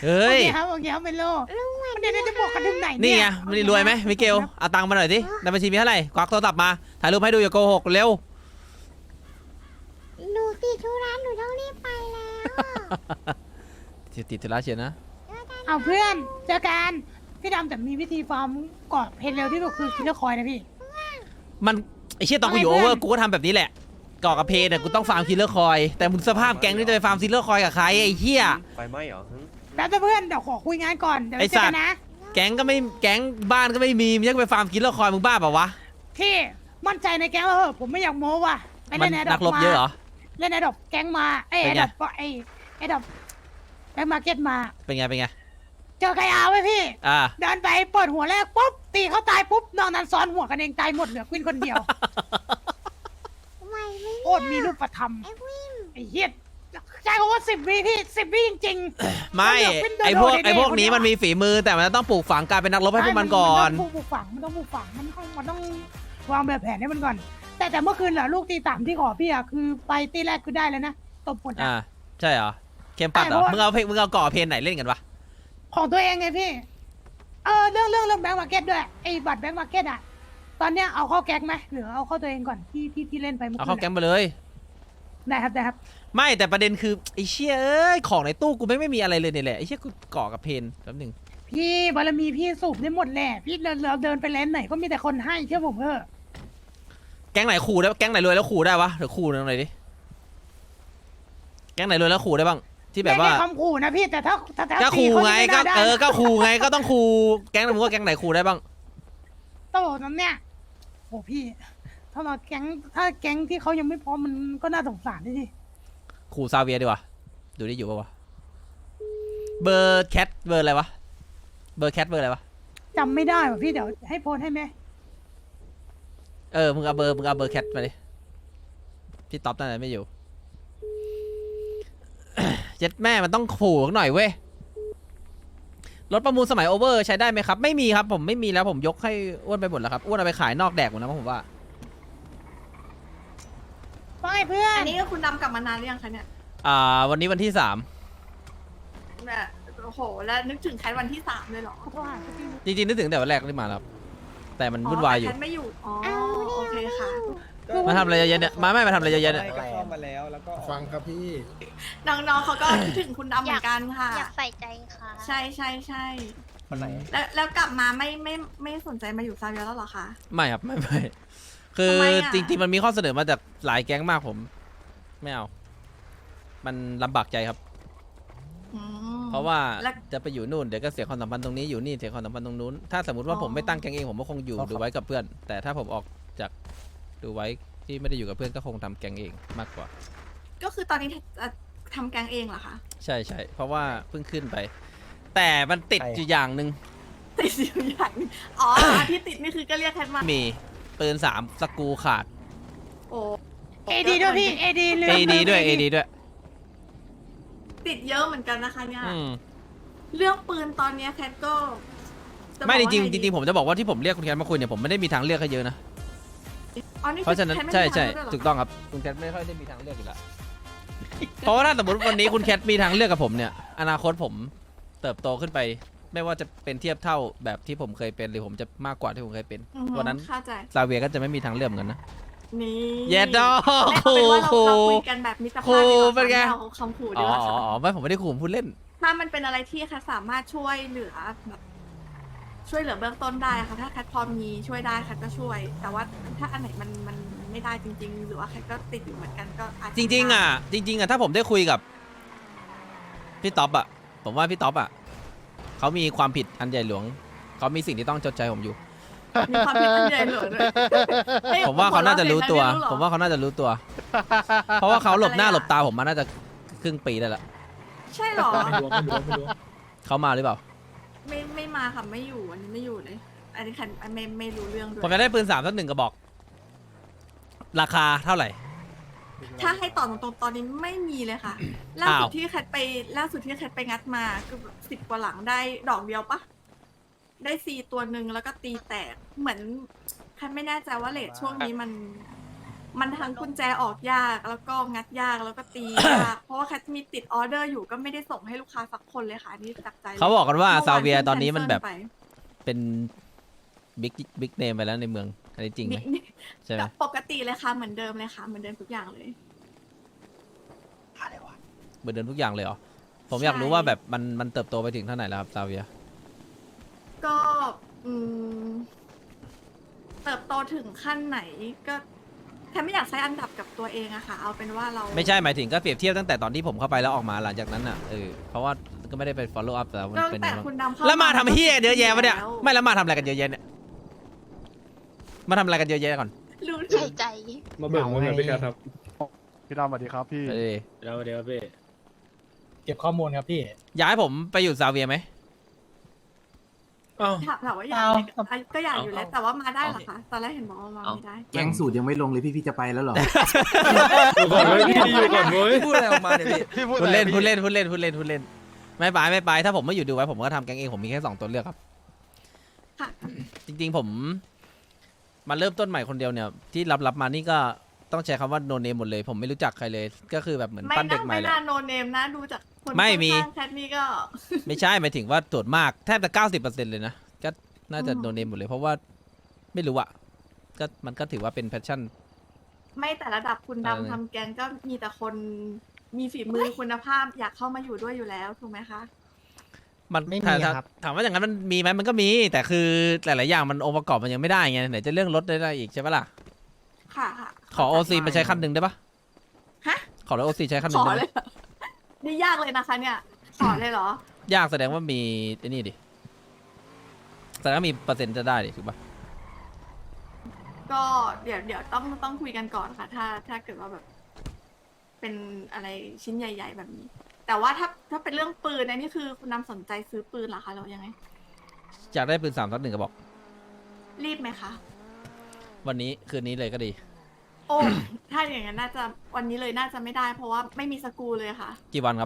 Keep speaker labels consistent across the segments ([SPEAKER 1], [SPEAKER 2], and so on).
[SPEAKER 1] เฮ้ย
[SPEAKER 2] โอเคครับโอเคครับเป็นโลมันเดี๋ยวจะบอกกันถึงไหน
[SPEAKER 1] นี่
[SPEAKER 2] เนี่ย
[SPEAKER 1] ไงมันรวยไหมมิเกลเอาตังค์มาหน่อยสิในบัญชีมีเท่าไหร่ควักโทรศัพท์มาถ่ายรูปให้ดูอย่าโกหกเร็ว
[SPEAKER 3] หนูติดธุระหนูต้องรีบไปแล้ว
[SPEAKER 1] ติดธุระเชียวนะ
[SPEAKER 2] เอาเพื่อนเจอกันพี่ดำแต่มีวิธีฟาร์มกอดเพนเร็วที่สุดคือคิลเลอร์คอยนะพี่
[SPEAKER 1] มันไอเชี่ยตอนกูอยู่โอเวอร์กูก็ทำแบบนี้แหละก่อกับเพเนี่ยกูต้องฟาร์มคิลเลอร์คอยแต่มึงสภาพแก๊งนี่จะไปฟาร์มคิลเลอร์คอยกับใครไอ้เหี้ย
[SPEAKER 4] ไฟไหม้เหรอ
[SPEAKER 2] แล้วเพื่อนเดี๋ยวขอคุยงานก่อนเดี๋ยว
[SPEAKER 1] ไอ้
[SPEAKER 2] เจอ
[SPEAKER 1] สัต
[SPEAKER 2] กั
[SPEAKER 1] ว์
[SPEAKER 2] นนะ
[SPEAKER 1] แก๊งก็ไม่แก๊งบ้านก็ไม่มีมึงจะไปฟาร์มคิลเลอร์คอยมึงบ้าเปล่าวะ
[SPEAKER 2] พี่มั่นใจในแก๊งเราเหอะผมไม่อยากโม้ว่ะไป
[SPEAKER 1] มั
[SPEAKER 2] เล่
[SPEAKER 1] น
[SPEAKER 2] นแอดด
[SPEAKER 1] นั
[SPEAKER 2] อก
[SPEAKER 1] รบเยอะเหรอ
[SPEAKER 2] เล่นแอดดอกแก๊งมาไอ
[SPEAKER 1] เป็
[SPEAKER 2] แอน ด
[SPEAKER 1] ไง
[SPEAKER 2] ดอกไอดอกแบ็คมาร์เก็ตมา
[SPEAKER 1] เป็นไงเป็นไง
[SPEAKER 2] เจอใครเอาไว้พี่
[SPEAKER 1] อ่า
[SPEAKER 2] เดินไปเปิดหัวแรกปุ๊บตีเขาตายปุ๊บนอกนั้นซ้อนหัวกันเองตายหมดเหลือควินคนเดียว
[SPEAKER 3] ไหวไหม
[SPEAKER 2] โคตรมีรูปธรรม
[SPEAKER 3] ไอ้วิน
[SPEAKER 2] ไอ้เหี้ยใช่เขาว่า10 วิพี่10 วิจริงๆ
[SPEAKER 1] ไม่
[SPEAKER 2] มันเหลือเป็นโดโด
[SPEAKER 1] ไอพวก
[SPEAKER 2] เด็ๆ
[SPEAKER 1] ไอพวกนี้
[SPEAKER 2] คเดีย
[SPEAKER 1] มันมีฝีมือแต่มันต้องปลูกฝังการเป็นนักรบให้พวกมันก่อน
[SPEAKER 2] มันต้องปลูกฝังมันต้องวางแบบแผนให้มันก่อน แต่เมื่อคืนเหรอลูกตีสามที่ขอพี่อะคือไปตีแรกคือได้แล้วนะตบหมดอะ
[SPEAKER 1] อ่าใช่เหรอเข้มปัดเหรอ
[SPEAKER 2] ใช่เพราะว่า
[SPEAKER 1] มึงเอาก่อเพนไหนเล่นกันวะ
[SPEAKER 2] ของตัวเองไงพี่เรื่องแบงก์มาร์เก็ตด้วยไอ้บัตรแบงก์มาร์เก็ตอะตอนเนี้ยเอาเข้าแก๊งไหมหรือเอาเข้าตัวเองก่อนที่เล่นไปเมื่อ
[SPEAKER 1] เอา
[SPEAKER 2] คื
[SPEAKER 1] เข้าน แก๊ง
[SPEAKER 2] อะ
[SPEAKER 1] ไปเลย
[SPEAKER 2] ได้ครับ
[SPEAKER 1] ไม่แต่ประเด็นคือไอ้เชี่ยเอ้ยของในตู้กูไม่มีอะไรเลยเนี่ยแหละไอ้เชี่ยกูก่อกับเพนแป๊บหนึง
[SPEAKER 2] พี่บารมีพี่สูบได้หมดแหละพี่เราเดินไปแลนด์ไหนก็มีแต่คนให้เชื่อผมเถอะ
[SPEAKER 1] แก๊งไหนขู่ได้แก๊งไหนรวยแล้วขู่ได้วะเดี๋ยวขู่หน่อยดิแก๊งไหนรวยแล้วขู่ได้บ้างที่แบบว่า
[SPEAKER 2] ไม่ได้คำขู่นะพี่แต่ถ้า
[SPEAKER 1] ก็ขู่ไง
[SPEAKER 2] ตี
[SPEAKER 1] ก็
[SPEAKER 2] เขาจะม่น่าได้
[SPEAKER 1] ก็ขู่ไงก็ต้องขู่แก๊งไหนมึงว่าแก๊งไหนขู่ได้บ้าง
[SPEAKER 2] โตนั้นเนี่ยโอ้พี่ถ้าแก๊งที่เขายังไม่พร้อมมันก็น่าสงสารดิ
[SPEAKER 1] ขู่ซาเวียดีกว่าดูได้อยู่ปะวะเบอร์แคทเบอร์อะไรวะเบอร์แคทเบอร์อะไรวะ
[SPEAKER 2] จำไม่ได้ว่ะพี่เดี๋ยวให้โพสให้ไหม
[SPEAKER 1] มึงเอาเบอร์แคทมาดิพี่ต๊อปนั่นแหละไม่อยู่ เจ็ดแม่มันต้องขู่หน่อยเว้ยรถประมูลสมัยโอเวอร์ใช้ได้ไหมครับไม่มีครับผมไม่มีแล้วผมยกให้อ้วนไปหมดแล้วครับอ้วนเอาไปขายนอกแดกหมดแล้วผมว่า
[SPEAKER 2] ว่าไงเพื่อน
[SPEAKER 5] อันนี้ก็คุณดำกลับมานานหรือยังคะเนี่ย
[SPEAKER 1] วันนี้วันที่
[SPEAKER 5] แบบโอ้โห แล้วนึกถึงแคทวันที่3เลยเหรอ
[SPEAKER 2] ขอโทษหาพี่
[SPEAKER 1] 3จริงๆนึกถึงแต่วันแรกที่มาแล้วครับแต่มันวุ่นวายอยู่
[SPEAKER 5] แต่แคทไม่อยู่ อ๋อ โอเคค่ะ
[SPEAKER 1] มาทำอะไรเยอะๆเนี่ยไม่มาทำอะไรเยอะๆเนี่ย
[SPEAKER 4] ก็ซ่อมมาแล้วแล้วก็
[SPEAKER 6] ฟังครับพี่
[SPEAKER 5] น้องๆเขาก็คิดถึงคุณดำเหมือนกันค่ะ
[SPEAKER 3] อยากใส่ใจค่ะ
[SPEAKER 5] ใช่ใช่ใช่
[SPEAKER 4] คนไหน
[SPEAKER 5] แล้วกลับมาไม่สนใจมาอยู่ซาเวียแล้วเหรอคะ
[SPEAKER 1] ไม่ครับไม่คือ
[SPEAKER 5] ทำไมอะ
[SPEAKER 1] จริงๆมันมีข้อเสนอมาจากหลายแก๊งมากผมไม่เอามันลำบากใจครับ
[SPEAKER 5] อืม
[SPEAKER 1] เพราะว่า
[SPEAKER 5] แล้ว
[SPEAKER 1] จะไปอยู่นู่นเดี๋ยวก็เสียความสัมพันธ์ตรงนี้อยู่นี่เสียความสัมพันธ์ตรงนู้นถ้าสมมติว่า
[SPEAKER 5] อ๋อ
[SPEAKER 1] ผมไม่ตั้งแก๊งเองผมก็คงอยู่ดูไว้กับเพื่อน แต่ถ้าผมออกจากดูไว้ที่ไม่ได้อยู่กับเพื่อนก็คงทำแก๊งเองมากกว่า
[SPEAKER 5] ก็คือตอนนี้ทำแกงเองเหรอคะ
[SPEAKER 1] ใช่เพราะว่าเพิ่งขึ้นไป แต่มันติดอยู่อย่างหนึ่ง
[SPEAKER 5] ติดอยู่อย่างนึงอ๋ออันที่ติดนี่คือก็เรียกแคทมา
[SPEAKER 1] มีปืน3สกรูขาด
[SPEAKER 5] โอ้
[SPEAKER 2] เอดีด้วยพี่เอดีลืม
[SPEAKER 1] AD ด้วย AD ด้วย
[SPEAKER 5] ติดเยอะเหมือนกันนะคะเนี่ย
[SPEAKER 1] อืม
[SPEAKER 5] เรื่องปืนตอนเนี้ยแคทก็จะ
[SPEAKER 1] ไม่
[SPEAKER 5] บอก
[SPEAKER 1] จริง
[SPEAKER 5] ว่า
[SPEAKER 1] ๆจริงๆผมจะบอกว่าที่ผมเรียกคุณแคทมาคุยเนี่ยผมไม่ได้มีทางเลือกให้เยอะนะ
[SPEAKER 5] อ๋อนี่
[SPEAKER 1] เพราะฉะนั้น
[SPEAKER 5] แคทไม่
[SPEAKER 1] ใช่
[SPEAKER 5] มี
[SPEAKER 1] ใช่
[SPEAKER 5] ทางเลือกด้วยเหรอ
[SPEAKER 1] ถูกต้องครับคุณแคทไม่ค่อยได้มีทางเลือกอยู่แล้ว เพราะว่าถ้าสมมติวันนี้คุณแคทมีทางเลือกกับผมเนี่ยอนาคตผมเติบโตขึ้นไป ไม่ว่าจะเป็นเทียบเท่าแบบที่ผมเคยเป็นหรือผมจะมากกว่าที่ผมเคยเป็น
[SPEAKER 5] อือฮึ
[SPEAKER 1] วันนั้น
[SPEAKER 5] เข้าใจ
[SPEAKER 1] ซาเวียก็จะไม่มีทางเลือกเหมือนกันนะ
[SPEAKER 5] นี่
[SPEAKER 1] เย็ดดอก
[SPEAKER 5] ไม่เอาเป็นว่าเรา
[SPEAKER 1] ขู่
[SPEAKER 5] คุยกันแบบมิตร
[SPEAKER 1] ขู่
[SPEAKER 5] ภาพดีกว่า
[SPEAKER 1] เป็นไง
[SPEAKER 5] ค่ะม่เอาคำขู่
[SPEAKER 1] อ๋
[SPEAKER 5] ดี
[SPEAKER 1] อก
[SPEAKER 5] ว่าค่ะ
[SPEAKER 1] ไม่ผมไม่ได้ขู่ผมพูดเล่น
[SPEAKER 5] ถ้ามันเป็นอะไรที่แคทสามารถช่วยเหลือแบบช่วยเหลือเบื้องต้นได้ค่ะถ้าแคทพอมีช่วยได้แคทก็ช่วย แต่ว่าถ้าอันไหนมันไม่ได้จริง ๆ หรือว่าแคทก็ติดอยู่เหมือนกันก็อาจจะ
[SPEAKER 1] จริงๆอ่ะจริงๆอ่ะถ้าผมได้คุยกับพี่ต๊อปอ่ะผมว่าพี่ต๊อปอ่ะเขามีความผิดอันใหญ่หลวงเขามีสิ่งที่ต้องจดใจผมอยู่
[SPEAKER 5] มีความผิดอันใหญ่หลวงด้วยฮ้ย
[SPEAKER 1] ผมว่าเขาน่าจะรู้ตัว
[SPEAKER 5] หัเาะ
[SPEAKER 1] ผมว่าเขาน่าจะรู้ตัว เพราะว่าเขาหลบหน้าหลบตาผมมาน่าจะครึ่งปีได้ละ
[SPEAKER 5] ใช่เหรอ
[SPEAKER 6] ไม่รู้ไม่รู้
[SPEAKER 1] เขามาหรือเปล่า
[SPEAKER 5] ไม่มาค่ะไม่อยู่อันนี้ไม่อยู่เลย อันนี้แคทไม่รู้เรื่องด้วย
[SPEAKER 1] ผมจะได้ปืน3สัก1กระบอก ราคาเท่าไหร่
[SPEAKER 5] ถ้าให้ตอบตรงๆตอนนี้ไม่มีเลยค่ะ ล่าสุดที่แคทไปงัดมาคือ10 กว่าหลังได้ดอกเดียวปะได้4 ตัวหนึ่งแล้วก็ตีแตกเหมือนแคทไม่แน่ใจว่าเลทช่วงนี้มันมันทั้งกุญแจออกยากแล้วก็งัดยากแล้วก็ตียาก เพราะว่าแคทมีติดออเดอร์อยู่ก็ไม่ได้ส่งให้ลูกค้าสักคนเลยค่ะอันนี่จากใจลย
[SPEAKER 1] เขาบอกกันว่า
[SPEAKER 5] มื่
[SPEAKER 1] ซาเวีย
[SPEAKER 5] พิ่ง
[SPEAKER 1] ตอนนี้มันแบบ
[SPEAKER 5] cancel ไป
[SPEAKER 1] เป็นบิ๊กเนมไปแล้วในเมืองอันนี้จริงไหมใช่ไหม
[SPEAKER 5] ก็ปกติเลยค่ะเหมือนเดิมเลยค่ะเหมือนเดิมทุกอย่างเลย
[SPEAKER 1] เหมือนเดิมทุกอย่างเลยเหรอผมอยากรู้ว่าแบบมันเติบโตไปถึงเท่าไหร่แล้วครับซาเวีย
[SPEAKER 5] ก็เติบโตถึงขั้นไหนก็แค่ไม่อยากใช้อันดับกับตัวเองอะค่ะ เอาเป็นว่าเรา
[SPEAKER 1] ไม่ใช่หมายถึงก็เปรียบเทียบตั้งแต่ตอนที่ผมเข้าไปแล้วออกมาหลังจากนั้นอ่ะเพราะว่าก็ไม่ได้ไป follow up แต่มัน
[SPEAKER 5] ก็
[SPEAKER 1] เป็น
[SPEAKER 5] แต่
[SPEAKER 1] ยังไง
[SPEAKER 5] คุณ
[SPEAKER 1] บ้าง
[SPEAKER 5] ดำเข้า
[SPEAKER 1] แล้วมาทำเฮียเยอะแยะวะเนี่ย
[SPEAKER 5] แล้ว
[SPEAKER 1] ไม่แล้วมาทำอะไรกันเยอะแยะเนี่ยมาทำอะไรกันเยอะแยะก่อน
[SPEAKER 5] รู้
[SPEAKER 3] ใส่ใจ
[SPEAKER 4] มาเบิกเงินพี่การครับ
[SPEAKER 6] พี่ดำสวัสดีครับพี่
[SPEAKER 4] แล้วเดี๋ยวพี่
[SPEAKER 7] เก็บข้อมูลครับพี่
[SPEAKER 1] ย้ายผมไปอยู่ซาเวียไหม
[SPEAKER 4] อ้าว
[SPEAKER 5] ถามว่าอยากไหมก็อยากอยู่แล้ว แต่ว่ามาได้เหรอคะตอนแรกเห็นบอกว่ามาไม่ได้
[SPEAKER 8] แก๊งสูตรยังไม่ลงเลยพี่จะไปแล้วเหรอ
[SPEAKER 4] อยู่ก่อนเว้ยพี่อยู่ก่อนเว้ย
[SPEAKER 6] พูดอะไรออกมาเนี่ยพี่พูด
[SPEAKER 1] พูด
[SPEAKER 6] อะไร
[SPEAKER 1] เล่น
[SPEAKER 6] พี่
[SPEAKER 1] พูดเล่นพูดเล่นพูดเล่นพูดเล่นไม่ไปถ้าผมไม่อยู่ดูไว้ผมก็ทำแก๊งเองผมมีแค่2ตัวเลือกครับ
[SPEAKER 5] ค่ะ
[SPEAKER 1] จริงๆผมมาเริ่มต้นใหม่คนเดียวเนี่ยที่รับมานี่ก็ต้องใช้คำว่าโนเนมหมดเลย ผมไม่รู้จักใครเลย ก็คือแบบเหมือน
[SPEAKER 5] ไม่
[SPEAKER 1] ปั้นเด็
[SPEAKER 5] น่าก
[SPEAKER 1] ใหม่
[SPEAKER 5] ไม่
[SPEAKER 1] แหละ
[SPEAKER 5] น่าโนเนมนะดูจากคน
[SPEAKER 1] ไม่มี
[SPEAKER 5] ข้างๆแคทนี่ก็
[SPEAKER 1] ไม่ใช่หมายถึงว่าตรวจมากแทบจะ90%เลยนะก็น่าจะ
[SPEAKER 5] อืม
[SPEAKER 1] โนเนมหมดเลยเพราะว่าไม่รู้อะก็มันก็ถือว่าเป็นแพชชั่น
[SPEAKER 5] ไม่แต่ระดับคุณ
[SPEAKER 1] เออ
[SPEAKER 5] ดำทำแกงก็มีแต่คนมีฝีมือคุณภาพอยากเข้ามาอยู่ด้วยอยู่แล้วถูกไหมคะ
[SPEAKER 1] มัน
[SPEAKER 7] ไม่มี
[SPEAKER 1] ถ้า
[SPEAKER 7] ครับ
[SPEAKER 1] ถามว่าอย่างนั้นมันมีไหมมันก็มี แต่คือหลายๆอย่างมันองค์ประกอบมันยังไม่ได้ไงไหนจะเรื่องรถได้อีกใช่ปะล่ะ
[SPEAKER 5] ค่ะค่ะ
[SPEAKER 1] ขอโอซีมาใช้คันหนึ่งได้ปะ
[SPEAKER 5] ฮะ
[SPEAKER 1] ขอรถโอซีใช้คันห
[SPEAKER 5] ข
[SPEAKER 1] นึ่ง
[SPEAKER 5] อ
[SPEAKER 1] ได้ไหม
[SPEAKER 5] เลยเหรอนี่ยากเลยนะคะ เนี่ย ขอเลยเหรอ
[SPEAKER 1] ยากแสดงว่ามีไอ้นี่ดิแสดงว่ามีเปอร์เซ็นต์จะได้ดิถูกปะ
[SPEAKER 5] ก็เดี๋ยวต้องคุยกันก่อนค่ะ ถ้าเกิดว่าแบบ เป็นอะไรชิ้นใหญ่ ๆ แบบนี้ แต่ว่าถ้าเป็นเรื่องปืนอันนี้คือคุณนำสนใจซื้อปืนเหรอคะหรือยังไง
[SPEAKER 1] อยากได้ปืน3-1กระบอก
[SPEAKER 5] รีบไหมคะ
[SPEAKER 1] วันนี้คืนนี้เลยก็ดี
[SPEAKER 5] โอ้ ถ้าอย่างนั้นน่าจะวันนี้เลยน่าจะไม่ได้ เพราะว่าไม่มีสกรูเลยค่ะ
[SPEAKER 1] กี่วันครับ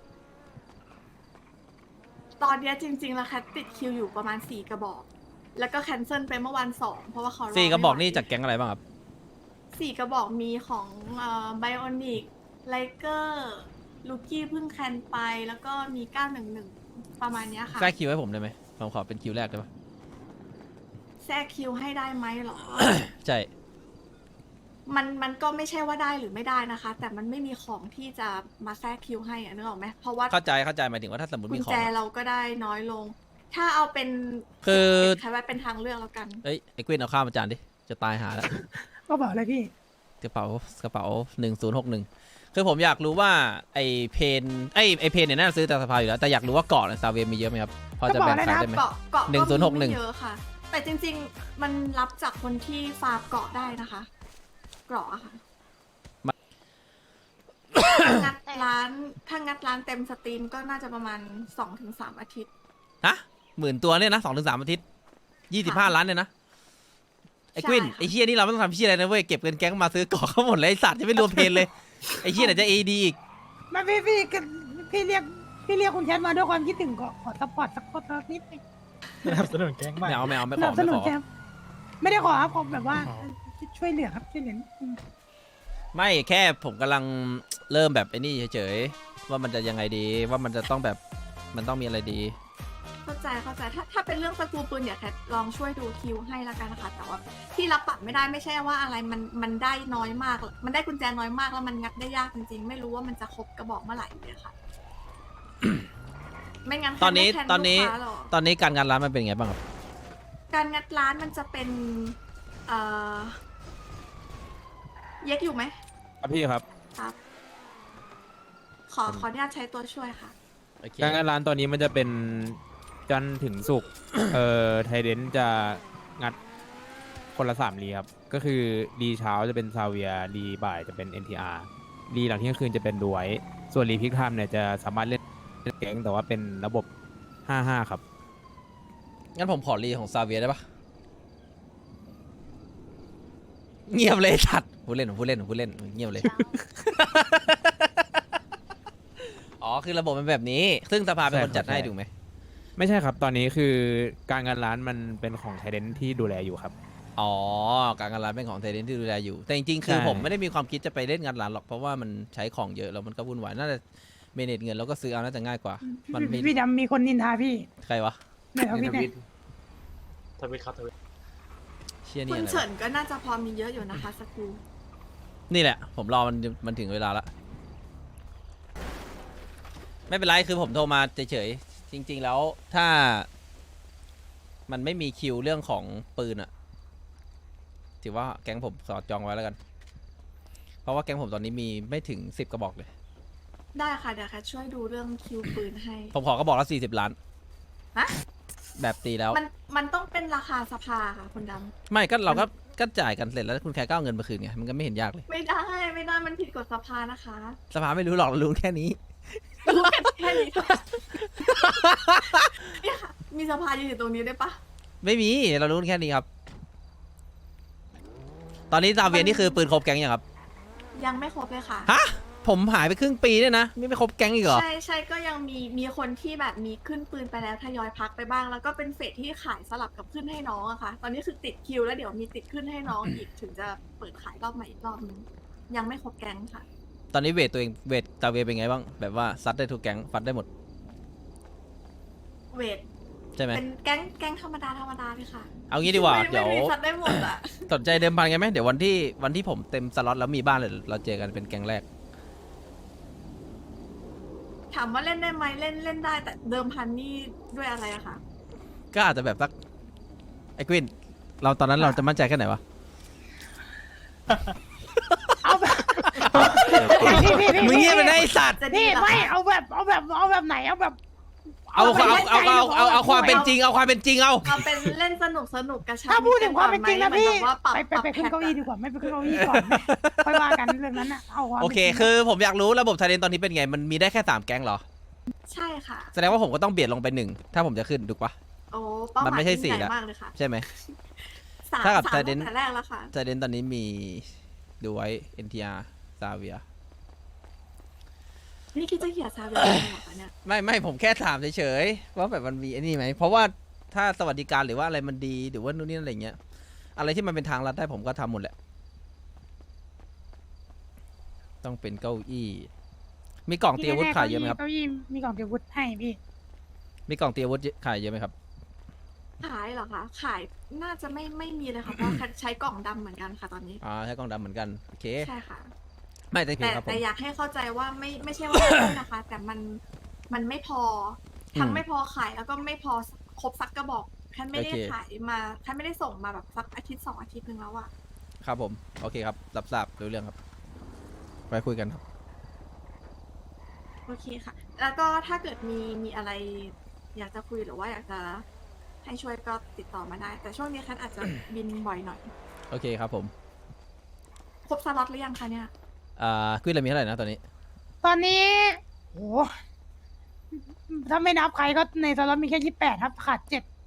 [SPEAKER 5] ตอนเนี้ยจริง ๆ แล้วแคทติดคิวอยู่ประมาณ4 กระบอก แล้วก็แคนเซิลไปเมื่อวัน2เพราะว่าเขา
[SPEAKER 1] 4 กระบอกนี่
[SPEAKER 5] ไม่ไหว
[SPEAKER 1] จากแก๊งอะไรบ้างครับ
[SPEAKER 5] 4 กระบอกมีของไบโอนิกไลเกอร์ลูกี้เพิ่งแคนไปแล้วก็มี911ประมาณเนี้ยค่ะ
[SPEAKER 1] แทรกคิวให้ผมได้ไหมผมขอเป็นคิวแรกได้ปะ
[SPEAKER 5] แทรกคิวให้ได้ไหมเหรอ
[SPEAKER 1] ใช่
[SPEAKER 5] มันก็ไม่ใช่ว่าได้หรือไม่ได้นะคะ แต่มันไม่มีของที่จะมาแทรกคิวให้อะนึกออกไหมเพราะว่า
[SPEAKER 1] เข้าใจหมายถึงว่าถ้าสมมติ
[SPEAKER 5] กุ
[SPEAKER 1] มี
[SPEAKER 5] ญ
[SPEAKER 1] ของ
[SPEAKER 5] แจ
[SPEAKER 1] อะ
[SPEAKER 5] เราก็ได้น้อยลง ถ้าเอาเป็น
[SPEAKER 1] คือ
[SPEAKER 5] ใช้ไว้เป็นทางเลือกแล้วกัน
[SPEAKER 1] เอ้ยไอ้กวินเอาข้าวมาจานดิจะตายหาแล้ว
[SPEAKER 2] ก็บอกเลยพี่
[SPEAKER 1] กระเป๋า1061คือผมอยากรู้ว่าไอเพนไอเพนเนี่ยน่าจะซื้อแต่สภาอยู่แล้วแต่อยากรู้ว่าเกาะในซาเวียมีเยอะไหมครับพอจะแบ่งขายได้ไหม
[SPEAKER 5] เกาะก็มี
[SPEAKER 1] 1061
[SPEAKER 5] ไม่เยอะค่ะ แต่จริง ๆ มันรับจากคนที่ฟาร์มเกาะได้นะคะเกาะอะค่ะถ้างัดร้านเต็มสตรีมก็น่าจะประมาณ 2-3 อาทิตย์
[SPEAKER 1] ฮะ10,000 ตัวเนี่ยนะ2-3 อาทิตย์25 ล้านเนี่ยนะไอ้กวิน
[SPEAKER 5] ใช่ค่ะ
[SPEAKER 1] ไอ้เฮียนี่เราไม่ต้องทำเฮียอะไรนะเว้ยเก็บเงินแก๊งมาซื้อเกาะเขาหมดเลยไอ้สัตว์จะไม่รวมเพนเลยไอ้เฮียไหนจะ AD อีก
[SPEAKER 2] มาพี่เรียกคุณแคทมาด้วยความคิดถึงก็ขอซัพพอร์ตสักคนนิดนึง
[SPEAKER 7] สนับสนุนแก๊งมาก
[SPEAKER 1] ไม่
[SPEAKER 2] ส
[SPEAKER 1] ข
[SPEAKER 2] นั
[SPEAKER 1] อบ
[SPEAKER 2] ส
[SPEAKER 1] ไม่
[SPEAKER 2] นุ
[SPEAKER 1] ข
[SPEAKER 2] น
[SPEAKER 1] อ
[SPEAKER 2] แคทไม่ได้ขอครับผมแบบว่าช่วยเหลือครับช่วยเหลือ
[SPEAKER 1] ไม่แค่ผมกำลังเริ่มแบบไอ้นี่เฉยๆว่ามันจะยังไงดีว่ามันจะต้องแบบมันต้องมีอะไรดี
[SPEAKER 5] เข้าใจถ้าเป็นเรื่องสกรูปืนเดี๋ยวแคทลองช่วยดูคิวให้ละกันนะคะแต่ว่าที่รับปรับไม่ได้ไม่ใช่ว่าอะไรมันได้น้อยมาก มันได้กุญแจน้อยมากแล้วมันงัดได้ยากจริงๆ ไม่รู้ว่ามันจะครบกระบอกเมื่อไหร่เลยค่ะ ไม่งั้น
[SPEAKER 1] ตอนนี้
[SPEAKER 5] แคท
[SPEAKER 1] ตอนนี้
[SPEAKER 5] ไม่แทลูกค้าหรอก
[SPEAKER 1] ตอนนี้การงานร้านมันเป็นไงบ้างครับ
[SPEAKER 5] การงัดร้านมันจะเป็นเย็กอยู่ไหม
[SPEAKER 6] ครับพี่ครับ
[SPEAKER 5] ครับ ขออนุญาตใช้ตัวช่วยค่ะ
[SPEAKER 1] โอเค
[SPEAKER 6] การงานร้านตอนนี้มันจะเป็นจันทร์ถึงศุกร์ไทเดนจะงัดคนละ3รีครับ ก็คือรีเช้าจะเป็นซาเวียรีบ่ายจะเป็น NTR รีหลังเที่ยงคืนจะเป็นดูไว้ ส่วนรีพิกไทม์เนี่ยจะสามารถเล่นแก๊งแต่ว่าเป็นระบบ 5-5 ครับ
[SPEAKER 1] งั้นผมขอรีของซาเวียได้ปะเงียบเลยสัตว์พูดเล่นเงียบเลย อ๋อคือระบบมันแบบนี้ ซึ่งสภาเป็นคนจัดให้
[SPEAKER 6] ใช่
[SPEAKER 1] ถูกไหม
[SPEAKER 6] ไม่ใช่ครับ ตอนนี้คือการงานร้านมันเป็นของไทเดนที่ดูแลอยู่ครับ
[SPEAKER 1] อ๋อการงานร้านเป็นของเทเดนที่ดูแลอยู่แต่จริงๆคือผมไม่ได้มีความคิดจะไปเล่นงานร้านหรอกเพราะว่ามันใช้ของเยอะแล้วมันก็วุ่นวายน่าจะเมเนจเงินแล้วก็ซื้อเอาน่าจะง่ายกว่ามันมี
[SPEAKER 2] พี่ดำมีคนนินทาพี่
[SPEAKER 1] ใครวะ
[SPEAKER 2] เนี่ยเอาพี่เนี่ย
[SPEAKER 4] ทวิตครับทวิต
[SPEAKER 1] เชี่ย
[SPEAKER 5] คุ
[SPEAKER 1] นี่
[SPEAKER 5] ณ
[SPEAKER 1] อะไร
[SPEAKER 5] เฉิ
[SPEAKER 1] วะ
[SPEAKER 5] นก็น่าจะพอมีเยอะอยู่นะคะสกู
[SPEAKER 1] นี่แหละ ผมรอมันถึงเวลาละไม่เป็นไรคือผมโทรมาเฉยๆจริง ๆ แล้วถ้า มันไม่มีคิวเรื่องของปืนอะถือว่าแก๊งผมสอดจองไว้แล้วกัน เพราะว่าแก๊งผมตอนนี้มีไม่ถึง10 กระบอกเลย
[SPEAKER 5] ได้ค่ะเดี๋ยวแคทช่วยดูเรื่องคิวปืนให้
[SPEAKER 1] ผมขอกระบอกละ40 ล้าน
[SPEAKER 5] ฮะ
[SPEAKER 1] แบบตีแล้ว
[SPEAKER 5] มันต้องเป็นราคาสภาค่ะคุณด
[SPEAKER 1] ไม่ก็เราก็จ่ายกันเสร็จแล้วคุณแค่ก็เอาเงินมาคืนไงมันก็ไม่เห็นยากเลย
[SPEAKER 5] ำไม่ได้มันผิดกฎสภานะคะ
[SPEAKER 1] สภาไม่รู้หรอกเรารู้แค่นี้
[SPEAKER 5] รู้แค่นี้ค่ะเนี่ยค่ะมีสภายืนอยู่ตรงนี้ได้ปะ
[SPEAKER 1] ไม่มีเรารู้แค่นี้ครับ ตอนนี้ซาเวียนี่คือปืนครบแก๊งยังครับ
[SPEAKER 5] ยังไม่ครบเลยค่ะ
[SPEAKER 1] ฮะผมหายไปครึ่งปีเนี่ยนะไม่ครบแก๊งอีกเหรอ
[SPEAKER 5] ใช่ก็ยังมีคนที่แบบมีขึ้นปืนไปแล้วทยอยพักไปบ้าง แล้วก็เป็นเฟสที่ขายสลับกับขึ้นให้น้องอะค่ะ ตอนนี้คือติดคิวแล้วเดี๋ยวมีติดขึ้นให้น้องอีกถึงจะเปิดขายรอบใหม่อีกรอบนึงยังไม่ครบแก๊งค่ะ
[SPEAKER 1] ตอนนี้เวทตัวเองเวทซาเวียเป็นไงบ้างแบบว่าซัดได้ทุกแก๊งฟัดได้หมด
[SPEAKER 5] เวท
[SPEAKER 1] ใช่ไหม
[SPEAKER 5] เป็นแก๊งธรรมดาเลยค่ะ
[SPEAKER 1] เอางี้ดีกว่า
[SPEAKER 5] ไม่
[SPEAKER 1] เดี๋ยว
[SPEAKER 5] ไม่มีซัดได้หมดอะ
[SPEAKER 1] สนใจเดิมพันกันไหมเดี๋ยววันที่ผมเต็มสล็อตแล้วมีบ้านเลยเราเจอกันเป็นแก๊งแรก
[SPEAKER 5] ถามว่าเล่นได้ไหมเล่นได้แต่เดิมพันนี่ด้วยอะไรอะคะ
[SPEAKER 1] ก็อาจจะแบบสักไอ้กวินเราตอนนั้นเราจะมั่นใจแค่ไหนวะ
[SPEAKER 2] เอาแบบพี่
[SPEAKER 1] มึงเงียบไปนะไอ้สัตว์
[SPEAKER 5] จะดี
[SPEAKER 2] พี่
[SPEAKER 5] เหรอ
[SPEAKER 2] ไม่
[SPEAKER 5] คะ
[SPEAKER 2] เอาแบบไหนเอาแบบ
[SPEAKER 1] เอาความเป็นจริงเอาความเป็นจริงเอา
[SPEAKER 5] เอาเป็นเล่นสนุกกระชับ
[SPEAKER 2] ถ้าพูดถึงความเป็นจริงนะพี่
[SPEAKER 5] เหมือแบบว่าปรับ
[SPEAKER 2] ไปขึ้นเก้าอี้ดีกว่าไม่ไปขึ้นเก้าอี้ก่อนค่อยว่ากันเรื่องนั้นอะเอาความ
[SPEAKER 1] โอเค คือผมอยากรู้ระบบไทยเดนตอนนี้เป็นไงมันมีได้แค่3แก๊งเหรอ
[SPEAKER 5] ใช่ค่ะ
[SPEAKER 1] แสดงว่าผมก็ต้องเบียดลงไป1ถ้าผมจะขึ้นถูกปะ
[SPEAKER 5] โอ้เป้าห
[SPEAKER 1] มัน
[SPEAKER 5] มาย
[SPEAKER 1] ไม่ใช่
[SPEAKER 5] ยิ่ง
[SPEAKER 1] สี่
[SPEAKER 5] ใหญ่
[SPEAKER 1] ละ
[SPEAKER 5] มากเลยค่ะ
[SPEAKER 1] ใช่ไหม
[SPEAKER 5] สาม
[SPEAKER 1] ถ้ากับ
[SPEAKER 5] สาม
[SPEAKER 1] Trident
[SPEAKER 5] ตั้งแต่แรกแล้วค่ะ
[SPEAKER 1] ไทยเดนตอนนี้มีดูไว้ NTR ซาเวีย
[SPEAKER 5] นี่คิดจะเขียนซาเวียเหรอคะเนี่ย
[SPEAKER 1] ไม่ผมแค่ถามเฉยๆว่าแบบมันมีไอ้นี่ไหมเพราะว่าถ้าสวัสดิการหรือว่าอะไรมันดีหรือว่านู่นนี่อะไรเงี้ยอะไรที่มันเป็นทางลัดได้ผมก็ทำหมดแหละต้องเป็นเก้าอี้มีกล่องเตรียมอาวุธขายเยอะไหมครับ
[SPEAKER 2] เก้าอี้มีกล่องเตรียมอาวุธให้พี่
[SPEAKER 1] มีกล่องเตรียมอาวุธขายเยอะไหมครับ
[SPEAKER 5] ขายเหรอคะขายน่าจะไม่มีเลยค่ะเพราะใช้กล่องดำเหมือนกันค่ะตอนนี้
[SPEAKER 1] ใช้กล่องดำเหมือนกันโอเค
[SPEAKER 5] ใช่ค่ะ
[SPEAKER 1] ไม่ได้ผิด
[SPEAKER 5] แต่
[SPEAKER 1] ครับผม
[SPEAKER 5] แต่อยากให้เข้าใจว่าไม่ใช่ว่าไม่นะคะ แต่มันไม่พอทั้งไม่พอขายแล้วก็ไม่พอครบซักกระบอกแค่ไม่ได้ขายมาแค่ไม่ได้ส่งมาแบบสักอาทิตย์2 อาทิตย์นึงแล้วอะ
[SPEAKER 1] ครับผมโอเคครับรับทราบรู้เรื่องครับไปคุยกันครับ
[SPEAKER 5] โอเคค่ะ แล้วก็ถ้าเกิดมีอะไร อยากจะคุยหรือว่าอยากจะให้ช่วยก็ติดต่อมาได้ แต่ช่วงนี้คันอาจจะบินบ่อยหน่อย
[SPEAKER 1] โอเคครับผม
[SPEAKER 5] ครบสล็อตหรือยังคะเนี่ย
[SPEAKER 1] ควินเรามีเท่าไหร่นะตอนนี้
[SPEAKER 2] ตอนนี้โหถ้าไม่นับใครก็ในสล็อตมีแค่28ครับขาด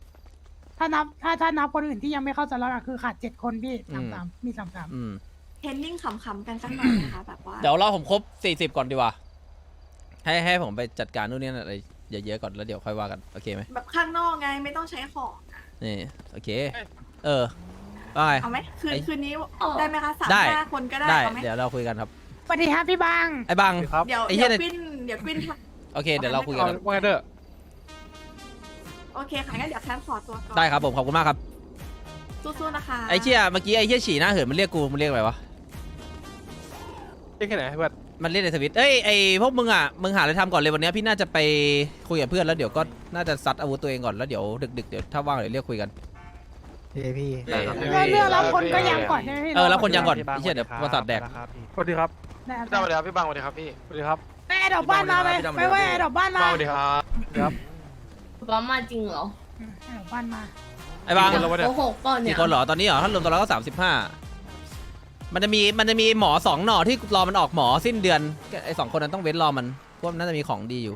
[SPEAKER 2] 7ถ้านับคนอื่นที่ยังไม่เข้าสล็อตอะคือขาด7คนพี่33มี33
[SPEAKER 1] อืม
[SPEAKER 5] เทรนนิ่งขำๆกันสักหน่อยนะคะแบบว่า
[SPEAKER 1] เดี๋ยวรอผมครบ40ก่อนดีกว่าให้ผมไปจัดการนู่นนี่อะไรเยอะๆก่อนแล้วเดี๋ยวค่อยว่ากันโอเคไหม
[SPEAKER 5] แบบข้างนอกไงไม่ต้องใช้ของอะ
[SPEAKER 1] นี่โอเคว่าไง
[SPEAKER 5] เอาไหม
[SPEAKER 1] ไอ้
[SPEAKER 5] คืนนี้ได้ไหมคะ
[SPEAKER 1] ได้
[SPEAKER 5] 3-5 คนก็ได้
[SPEAKER 1] ได้
[SPEAKER 5] เอาไหม
[SPEAKER 1] เดี๋ยวเราคุยกันครับ
[SPEAKER 2] สวัสดีครับพี่บาง
[SPEAKER 1] ไอ้บัง
[SPEAKER 6] ครับ
[SPEAKER 5] เดี๋ยว
[SPEAKER 1] ไอ้เหี้
[SPEAKER 5] เดี๋
[SPEAKER 1] ย
[SPEAKER 5] ยวกวินเดี๋ยวกวินค่ะ
[SPEAKER 1] โอเคเดี๋ยวเราคุยกันครับ
[SPEAKER 6] ว่าไงเด้อ
[SPEAKER 5] โอเคค่ะงั้นเดี๋ยวแคทขอตัวก่อน
[SPEAKER 1] ได้ครับผมขอบคุณมากครับ
[SPEAKER 5] สู้ๆนะคะ
[SPEAKER 1] ไอ้เชี่ยเมื่อกี้ไอ้เชี่ยฉี่หน้าเหินมันเรียกกูมันเรียกอะไรวะ
[SPEAKER 6] เรียกแค่ไหนเพื่อน
[SPEAKER 1] มันเรียกในทวิตเอ้ยไอ้พวกมึงอ่ะมึงหาอะไรทำก่อนเลยวันนี้พี่น่าจะไปคุยกับเพื่อนแล้วเดี๋ยวก็น่าจะซัดอาวุธตัวเองก่อนแล้วเดี๋ยวดึกๆเดี๋ยวถ้าว่างเดี๋ยวเรียกคุยกัน
[SPEAKER 7] พี่
[SPEAKER 2] เรื่องรับคนก็ยังก่อนใช่ไหมพี่
[SPEAKER 1] แล้วคนยังก่อนไอ้เชี่ยเดี๋ยวประสาทแดก
[SPEAKER 6] สวัสดีครับ
[SPEAKER 2] ได้
[SPEAKER 9] พี่ตั้มสวัสดีครับพี่บังสวัสดีครับพี่
[SPEAKER 6] สวัสดีครับ
[SPEAKER 2] ไปแอร์ดอกบ้านมาไปไปแอร์ดอกบ้านมา
[SPEAKER 9] บังสวัสดีครับ
[SPEAKER 6] ครับ
[SPEAKER 3] ป้ามาจริงเหรอ
[SPEAKER 2] แอร์ดอกบ้านมา
[SPEAKER 1] ไอ้บัง
[SPEAKER 6] คนละวันเนี่ย
[SPEAKER 3] โกหกก่อนเนี่ย
[SPEAKER 1] กี่คนเหรอตอนนี้เหรอถ้ารวมตัวแล้วก็35มันจะมีหมอ2หน่อที่รอมันออกหมอสิ้นเดือนไอ้2คนนั้นต้องเว้นรอมันเพราะมันน่าจะมีของดีอยู่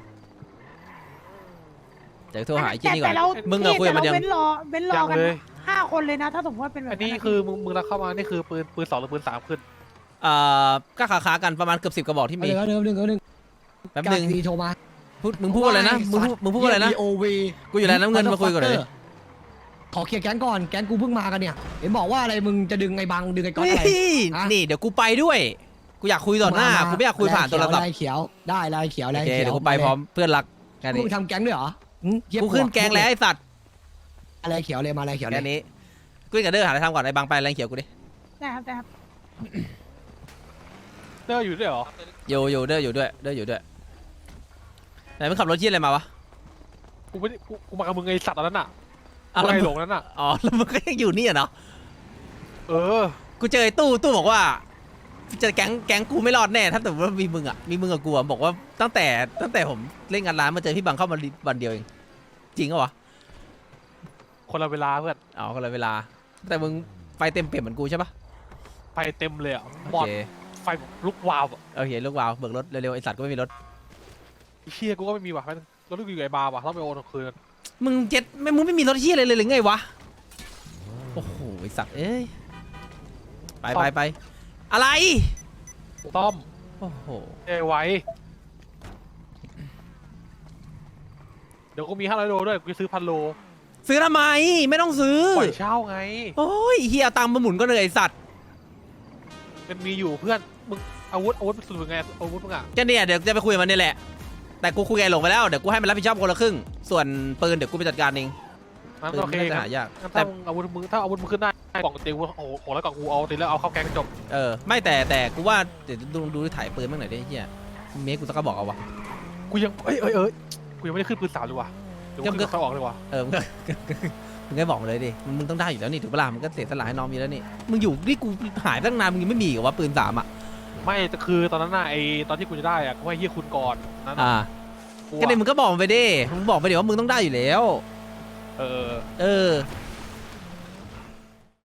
[SPEAKER 1] เดี๋ยวโทรหาไอ้เจนี่ก่อน
[SPEAKER 2] แต่เรา
[SPEAKER 1] มึงอะคุยกับมันยัง
[SPEAKER 2] เว้นรอกัน
[SPEAKER 6] เลย
[SPEAKER 2] 5 คนเลยนะ ถ้าสมมติว่าเป็นแบบ
[SPEAKER 6] อันนี้คือมึงรับเข้ามานี่คือปืน2หรือปืน3ขึ้น
[SPEAKER 1] ก็ค้าๆกันประมาณเกือบ10กระบอกที่มี
[SPEAKER 7] เดี๋ยวหนึ่ง
[SPEAKER 1] แป๊บนึง
[SPEAKER 7] ดีโทรมา
[SPEAKER 1] มึงพูดอะไรนะมึงพูดอะไรนะ
[SPEAKER 7] โอวี
[SPEAKER 1] กูอยู่แล้วน้ำเงินมาคุยก่อนเลย
[SPEAKER 7] ขอเคลียร์แก๊งก่อนแก๊งกูเพิ่งมากันเนี่ยเห็นบอกว่าอะไรมึงจะดึงไอ้บังดึงไอ้ก๊อตอะไร
[SPEAKER 1] เฮ้ย
[SPEAKER 7] ฮะ
[SPEAKER 1] นี่เดี๋ยวกูไปด้วยกูอยากคุยต่อหน้ากูไม่อยากคุยผ่านโทรศัพท์
[SPEAKER 7] ลายเขียวได้ลายเขียว
[SPEAKER 1] โอ
[SPEAKER 7] ลาย
[SPEAKER 1] เค
[SPEAKER 7] เขียว
[SPEAKER 1] เดี๋ยวกูไปพร้อมเพื่อนรักแค่
[SPEAKER 7] มึ
[SPEAKER 1] นี้
[SPEAKER 7] งทำแก๊งด้วยเหรอเหี้ย
[SPEAKER 1] กูขึ้นแกงแล้วไอ้สัตว์
[SPEAKER 7] ลายเขียวเลยมาลายเขียวเล
[SPEAKER 1] แค่
[SPEAKER 7] ย
[SPEAKER 1] นี้กูกับเด้อหาอะไรทำก่อนไอ้บางไปแรงเขียวกูดิ
[SPEAKER 2] ได้ครับได้ครับ
[SPEAKER 4] เดอร์อยู่ด้วยเหรอ
[SPEAKER 1] อยู่เด้ออยู่ด้วยไหนมึงขับรถเชี่ยอะไรมาวะ
[SPEAKER 4] กูไม่ได้กูมากับมึงไอสัตว์อันนั้นน่ะ
[SPEAKER 1] อ้าว
[SPEAKER 4] กู
[SPEAKER 1] แล้ว
[SPEAKER 4] ไอ
[SPEAKER 1] มึง
[SPEAKER 4] หลงนั้นน่ะ
[SPEAKER 1] อ๋อแล้วมึงก็ยังอยู่นี่อะเนาะ
[SPEAKER 4] เออ
[SPEAKER 1] กูเจอไอ้ตู้บอกว่าเจอแก๊งกูไม่รอดแน่ถ้าแต่ว่ามีมึงกับกูอะบอกว่าตั้งแต่ผมเล่นงานร้านมาเจอพี่บังเข้ามาวันเดียวเองจริงเหรอวะ
[SPEAKER 4] คนละเวลาเพื่อน
[SPEAKER 1] อ๋อคนละเวลา แต่มึงไฟเต็มเปี่ยมเหมือนกูใช่ปะ
[SPEAKER 4] ไฟเต็มเลยอ่ะ
[SPEAKER 1] โอ
[SPEAKER 4] หมด
[SPEAKER 1] เค
[SPEAKER 4] ไฟลุกวาวอะ
[SPEAKER 1] โอเคลูกวาวเบิกรถเร็วๆไอสัตว์ก็ไม่มีรถ
[SPEAKER 4] ไอ้เฮียกูก็ไม่มีว่ะแม่งรถลูกอยู่ไอ้บาร์ว่ะต้องไปโอนคืน
[SPEAKER 1] มึงมึงไม่มีรถเชี่ยอะไรเลยหรือไงวะโอ้โหไอสัตว์เอ้ยไปอะไร
[SPEAKER 4] ต้อม
[SPEAKER 1] โอ้โห
[SPEAKER 4] เอไว้เดี๋ยวกูมี500 โลด้วยกูจะซื้อ1,000 โล
[SPEAKER 1] ซื้อทำไมไม่ต้องซื้อ
[SPEAKER 4] ปล่อยเช่าไง
[SPEAKER 1] โอ้ยเฮียเอาตังค์มาหมุนก็เลยไอสัตว์
[SPEAKER 4] มันมีอยู่เพื่อนมึงอาวุธสุดเป็นไงอาวุธมึงอ่ะ
[SPEAKER 1] ก็เนี่ยเดี๋ยวจะไปคุยกับมันนี่แหละแต่กูคุยกับไอ้หลงไปแล้วเดี๋ยวกูให้มันรับผิดชอบคนละครึ่งส่วนปืนเดี๋ยวกูไปจัดการเอง
[SPEAKER 4] งั้น
[SPEAKER 1] ปืน
[SPEAKER 4] โอเค
[SPEAKER 1] ไม่น่าจะ
[SPEAKER 4] งั้น
[SPEAKER 1] หายาก
[SPEAKER 4] งั้น
[SPEAKER 1] แต่
[SPEAKER 4] ถ้าอาวุธมึงขึ้นได้กล่องเตียงกูโอ้โหแล้วกล่องกูเอาตีแล้วเอาเข้าแกงจบ
[SPEAKER 1] ไม่แต่กูว่าเดี๋ยวดูถ่ายปืนบ้างหน่อยดิเฮียเมคกูสักกระบอกเอาวะ
[SPEAKER 4] กูยังกูยังไม่ได้ขึ้นปืน3เลยว่ะเดี๋ยวกูขึ้นเขาออกเลยว่ะ
[SPEAKER 1] มึงก็ มึงก็บอกมาเลยดิมึงต้องได้อยู่แล้วนี่ถูกปะล่ะมึงก็เสียสละให้น้องมีแล้วนี่มึงอยู่นี่กูหายตั้งนานมึงยังไม่มีเหรอวะปืน3อ่ะ
[SPEAKER 4] ไม่แต่คือตอนนั้นน่ะไอตอนที่กูจะได้อ่ะกูให้เฮียคุณก่อนนั้น
[SPEAKER 1] ก็เลยมึงก็บอกมันไปดิมึงบอกไปเดี๋ยวว่ามึงต้องได้อยู่แล้ว
[SPEAKER 4] เออ
[SPEAKER 1] เออ